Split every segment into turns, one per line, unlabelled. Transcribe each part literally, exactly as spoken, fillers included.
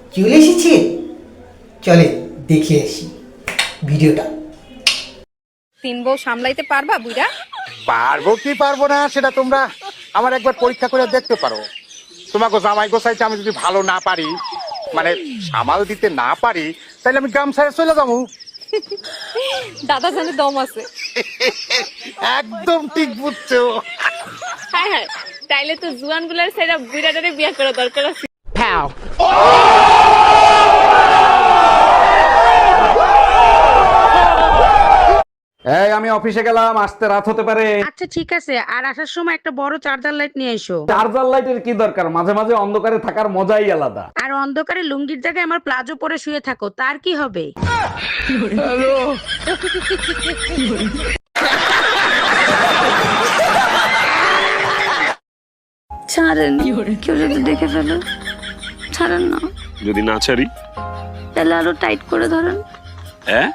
চলে এসেছে, চলে দেখে আসি ভিডিওটা।
তিন বউ সামলাইতে পারবা বুইরা?
পারবো কি পারবো না সেটা তোমরা আমার একবার পরীক্ষা করে দেখতে পারো। তোমাকে জামাই গোসাইতে আমি যদি ভালো না পারি, মানে সামাল দিতে না পারি, তাহলে আমি গ্রাম ছেড়ে চলে যাবো।
দাদা জানে দম আছে।
একদম ঠিক বুঝছো।
হ্যাঁ হ্যাঁ, তাইলে তো জুয়ান গুলার সেরা বুইরাটারে বিয়ে করা দরকার আছে।
এই আমি অফিসে গেলাম, আসতে রাত হতে পারে।
আচ্ছা ঠিক আছে, আর আসার সময় একটা বড় চার্জার লাইট নিয়ে এসো।
চার্জার লাইটের কি দরকার, মাঝে মাঝে অন্ধকারে থাকার মজাই আলাদা।
আর অন্ধকারে লুঙ্গির জায়গায় আমার প্লাজো পরে শুয়ে থাকো, তার কি হবে? ছাড়েন, কেউ যদি দেখে ফেলে। ছাড়েন না।
যদি না ছাড়ি
তাহলে আরো টাইট করে ধরেন।
হ্যাঁ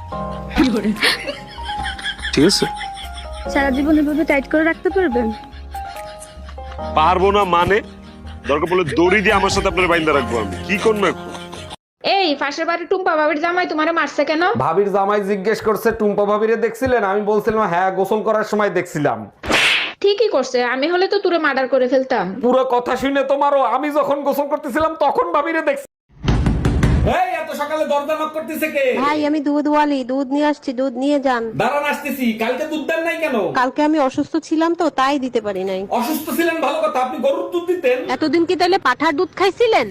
ঠিক আছে।
সারা জীবন এভাবে টাইট করে রাখতে পারবেন?
পারবো না মানে? দরকার পড়লে দড়ি দিয়ে আমার সাথে আপনার বাইন্দা রাখবো। আমি কি করবো এখন?
এই পাশের বাড়ি টুম্পা বাবির জামাই তোমারে মারছে কেন?
ভাবির জামাই জিজ্ঞেস করছে টুম্পা ভাবিরে দেখছিলেন? আমি বলছিলাম হ্যাঁ, গোসল করার সময় দেখছিলাম।
ঠিকই করছে, আমি হলে তো তুরে মার্ডার করে ফেলতাম।
পুরো কথা শুনে তোমারও, আমি যখন গোসল করতেছিলাম তখন ভাবিরে দেখছি। এই এত সকালে দরজা নক করতেছে কে?
ভাই আমি দুধ ওয়ালি, দুধ নিয়ে আসছি, দুধ নিয়ে যান।
দাঁড়ান আসতেছি। কালকে দুধ দেন নাই কেন?
কালকে আমি অসুস্থ ছিলাম তো তাই দিতে পারি নাই।
অসুস্থ ছিলেন ভালো কথা, আপনি গরুর দুধ দিতেন।
এতদিন কি তাহলে পাঠার দুধ খাইছিলেন?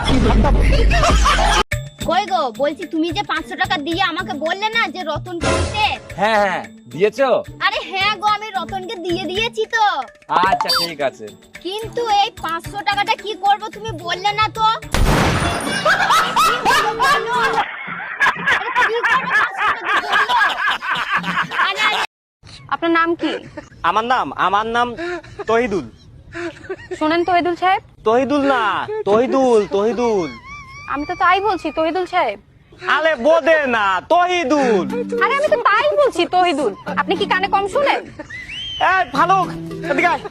কই গো, বলছি তুমি যে পাঁচশো টাকা দিয়ে আমাকে বললে না যে রতনকে দিতে।
হ্যাঁ হ্যাঁ দিয়েছো?
আরে হ্যাঁ গো, আমি রতনকে দিয়ে দিয়েছি তো।
আচ্ছা ঠিক আছে,
কিন্তু এই পাঁচশো টাকাটা কি করব তুমি বললে না তো।
আপনার নাম কি?
আমার নাম আমার নাম তহিদুল।
শুনেন তহিদুল সাহেব,
তহিদুল না, তহিদুল তহিদুল।
আমি তো তাই বলছি তহিদুল সাহেব।
আরে বোদে না, তহিদুল।
আরে আমি তো তাই বলছি তহিদুল। আপনি কি কানে কম শুনেন?
এই ভালো, এদিকে আয়।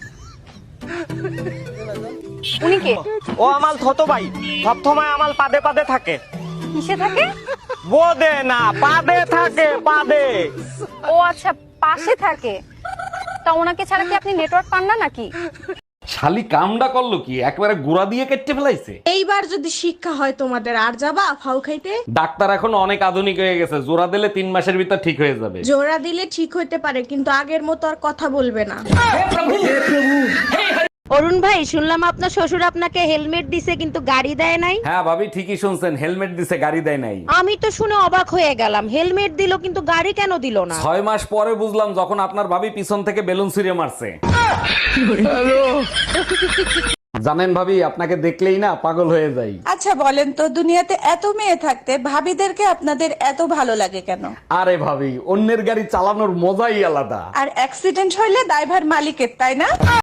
উনি কে?
ও আমার ছোট ভাই, সবসময় আমার পাদে পাদে থাকে।
কিসে থাকে?
বোদে না, পাদে থাকে, পাদে।
ও আচ্ছা, পাশে থাকে। তা ওনাকে ছাড়া কি আপনি নেটওয়ার্ক পান না নাকি?
শালি কামডা করলো কি, একবারে গুড়া দিয়ে কেটে ফেলাইছে।
এইবার যদি শিক্ষা হয় তোমাদের, আর যাবা ফাউ খাইতে?
ডাক্তার এখন অনেক আধুনিক হয়ে গেছে, জোড়া দিলে তিন মাসের ভিতর ঠিক হয়ে যাবে।
জোড়া দিলে ঠিক হইতে পারে, কিন্তু আগের মতো আর কথা বলবে না।
অরুণ ভাই, শুনলাম আপনার শ্বশুর আপনাকে হেলমেট দিছে কিন্তু গাড়ি দেয় নাই।
হ্যাঁ ভাবি ঠিকই শুনছেন, হেলমেট দিছে গাড়ি দেয় নাই।
আমি তো শুনে অবাক হয়ে গেলাম, হেলমেট দিল কিন্তু গাড়ি কেন দিল না?
ছয় মাস পরে বুঝলাম, যখন আপনার ভাবি পিছন থেকে বেলুন ছুঁড়ে মারছে। জানেন ভাবি, আপনাকে দেখলেই না পাগল হয়ে যাই।
আচ্ছা বলেন তো, দুনিয়াতে এত মেয়ে থাকতে ভাবিদেরকে আপনাদের এত ভালো লাগে কেন?
আরে ভাবি, অন্যের গাড়ি চালানোর মজাই আলাদা।
আর অ্যাক্সিডেন্ট হইলে দায়ভার মালিকের, তাই না?